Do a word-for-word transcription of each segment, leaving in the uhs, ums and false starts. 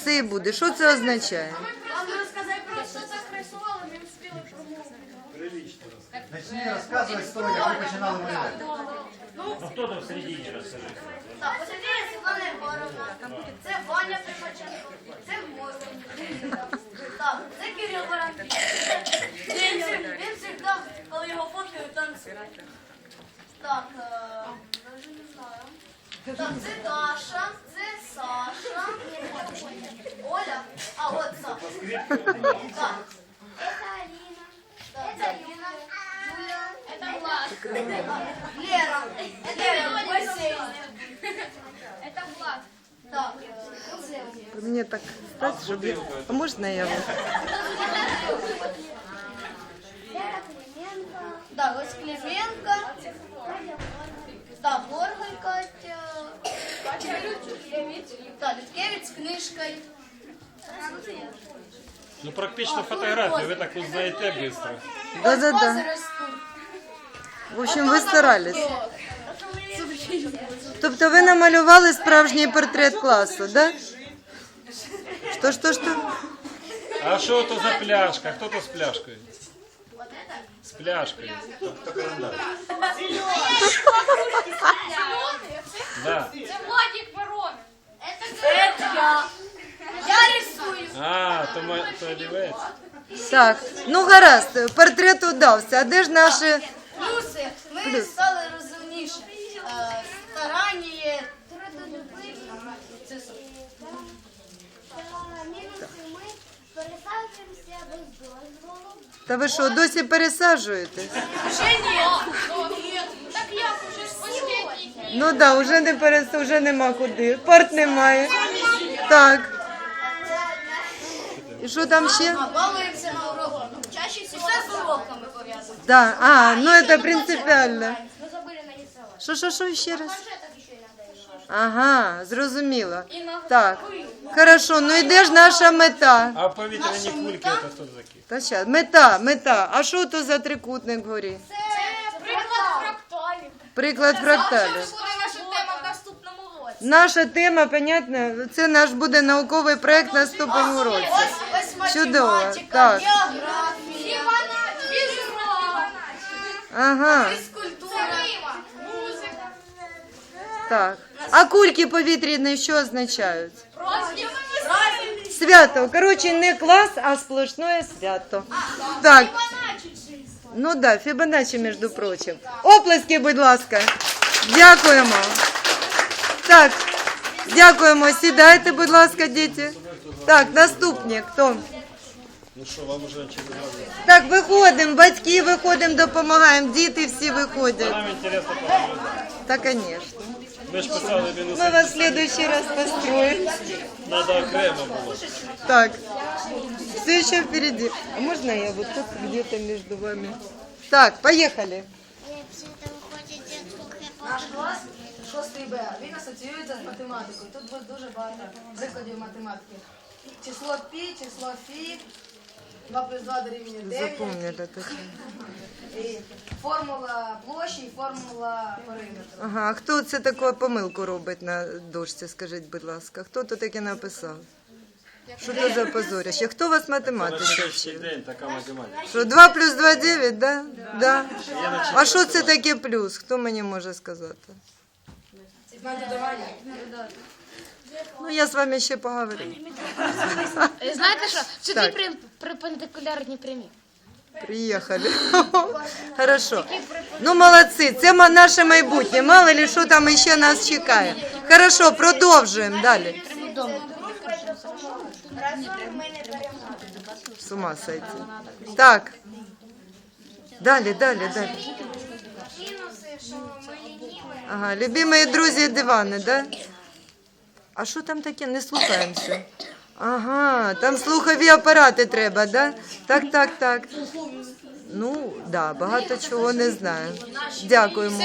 все і буде. Що це означає? Вам розказати просто так рисували, не встигли промовити. Начни розказувати історію, як ви починали малювати. Ну хто там в середині розкажи? Так, посередині Світлана Єгоровна, це Ваня Примаченко, це Мозин. Так, це Кирил Баранків. Він завжди, коли його фоткають, танцює. Так, е, навіть не знаю. Так, це Даша, це Саша, Оля, а от Саша. Так. Это Алина. Так, це Аліна, Юля, Это Влад. Лера, Лера в басейні. Это Влад. Так, е, це Мені так стати, щоб... я- А можна я вас? Вера Клименко. Так, ось Клименко. Так, Горгой Катя. Так, Літкевич з книжкою. Ну практично фотографію, ви так узнаєте швидко. Да-да-да. В общем, ви старались. Тобто ви намалювали справжній портрет класу, да? Що, що, що? А що то за пляшка? Хто то з пляшкою? З пляшкою. Да. Это Владик Воронов. Це я. Я рисую. А, то, ма- то олівець. Так, ну гаразд, портрет удався. А де ж наші... Плюси. Ми стали розумніше. Е, Старання, трудолюбиві. Це супер. Мінуси ми пересаджуємося без дозволу. Та ви що, досі пересаджуєте? Ще ні. Так я уже с последний. Ну так, да, вже не перес... вже нема куди. Парт немає. Так. І що там ще? А, балуємося на уроках. Чаще всього все з уроками пов'язано. Да. А, ну це принципіально. Мы забыли нарисовать. Що, що, що ще раз? Планшетах еще иногда рисуешь. Ага, зрозуміло. Так, хорошо, ну і де ж наша мета? А повітряні кульки, це хто такі? Та щас, мета, мета. А що то за трикутник вгорі? Це приклад фракталів. Приклад фракталів. Буде наша тема в наступному році. Наша тема, понятно, це наш буде науковий проект на наступному році. Ось, ось Чудово, математика, так. географія, Фізика. Ага, фізкультура. Музика. так. А кульки повітряні що означають? Розділ. Свято. Коротше, не клас, а сплошне свято. Так. Ну да, Фібоначчі, між прочим. Оплески, будь ласка. Дякуємо. Так, дякуємо. Сідайте, будь ласка, діти. Так, наступні. Хто? Ну що, вам вже через Так, виходимо, батьки виходимо, допомагаємо, діти всі виходять. Нам інтересно понаблюдати. Та, звісно. Ми ж писали мінуси. Ми вас в следующий раз построим. Надо окремо було. Так, все еще впереди. А можно я вот тут где-то между вами? Так, поехали. Наш клас шостий Б, він асоціюється з математикою. Тут буде дуже багато прикладів математики. Число пі, число фі, два плюс два дорівнює дев'ять. Запомнили таке. І формула площі і формула периметру. Ага, а хто це таку помилку робить на дошці, скажіть, будь ласка? Хто тут таке написав? Що це за позорище? Хто вас математиці Перший вчив? день така математика. Що, два плюс два – дев'ять, да? Да. А що це таке плюс? Хто мені може сказати? На додавання. Ну, я з вами ще поговорю. Знаєте що? Це Так. дві перпендикулярні прямі. Приїхали. Хорошо. Ну, молодці, це ма- наше майбутнє. Мало ли, що там ще нас чекає. Хорошо, продовжуємо далі. Разом ми не переможемо. З ума сойти. Так. Далі, далі, далі. Мінуси, що ми лініві. Ага, любимі друзі дивани, да? А що там таке? Не слухаємося. Ага, там слухові апарати треба, да? Так, так, так. Ну, да, багато чого не знаю. Дякуємо.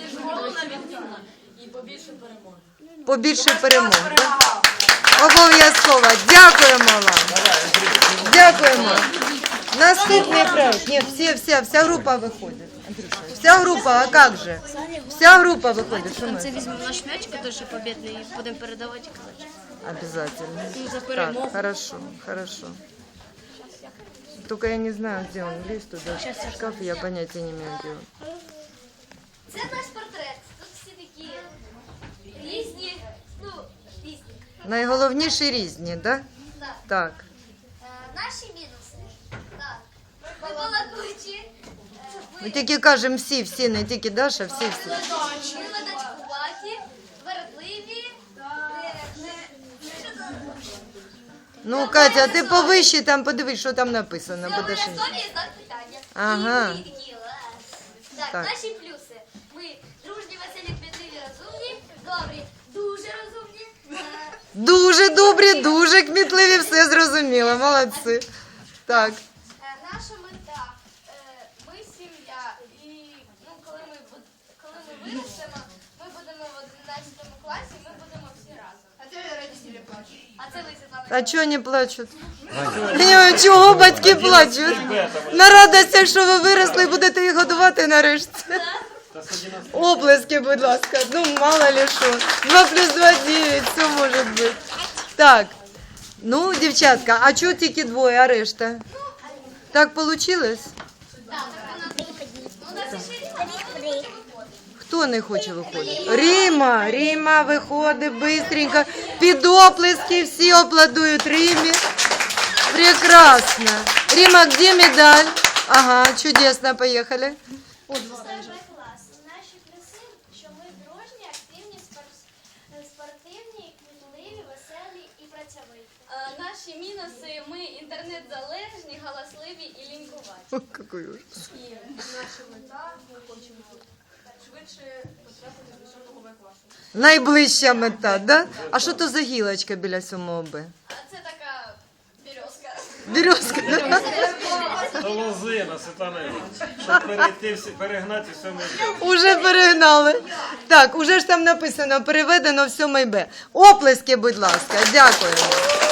Побільше перемог. Да? Обов'язково. Дякуємо вам. Дякуємо. Наступний проект. Ні, всі, вся, вся група виходить. Андрюша, вся група, а як же? Вся група виходить. Що ми? Це візьмемо наш м'яч, який побідний, і будемо передавати і казати. Обязательно. Так, хорошо, хорошо. Только я не знаю, где он лезть туда. В шкаф я понятия не имею, где он. Це наш портрет. Тут всі такі різні, ну, різні. Найголовніші різні, да? Так. Так. Е, Наші мінуси. Так. Ми балакучі. Е, Ми Ми тільки кажемо всі, всі, не тільки Даша, всі, всі. ледачкуваті, вередливі. е, не- що там? Ну, Катя, ти повище там подивись, що там написано. Це Будеш... обов'язкові знак питання. Ага. І ми такі, «Лес». Так, Так. наші плюси. Ми дружні, веселі, кмітливі, розумні, добрі, дуже розумні. Е, Дуже добрі, дуже кмітливі, все зрозуміло, молодці. Так. Е, Наша мета. е, Ми сім'я. І ну, коли ми буд- коли ми виростемо, ми будемо в одинадцятому класі, ми будемо всі разом. А це родителі плачуть. А це ви, Світлана. А чого не плачуть? Ні, чого батьки плачуть? На радостях, що ви виросли, будете їх годувати нарешті. Оплески, будь ласка. Ну, мало ли що. Два плюс два – дев'ять, все може бути. Так. Ну, дівчатка, а чого тільки двоє, а решта? Так вийшло? Хто не хоче виходити? Ріма, Ріма виходить бистренько. Під оплески всі аплодують Римі. Прекрасно. Рима, где медаль? Ага, чудесно, поехали. Клас. Наші плюси, що ми дружні, активні, спор- спортивні, кмітливі, веселі і працьовиті. Наші мінуси, ми інтернет-залежні, галасливі і лінькуваті. О, какой ужас. І наша мета, ми хочемо швидше потрапити до сьомого Б класу. Найближча мета, да? А що то за гілочка біля сьомого Б? А це така березка. Березка, да? Та лозина, Світлана Іванівна, щоб перейти, всі- перегнати все ми. Уже перегнали. Так, уже ж там написано, переведено в сьомий Б. Оплески, будь ласка, дякуємо.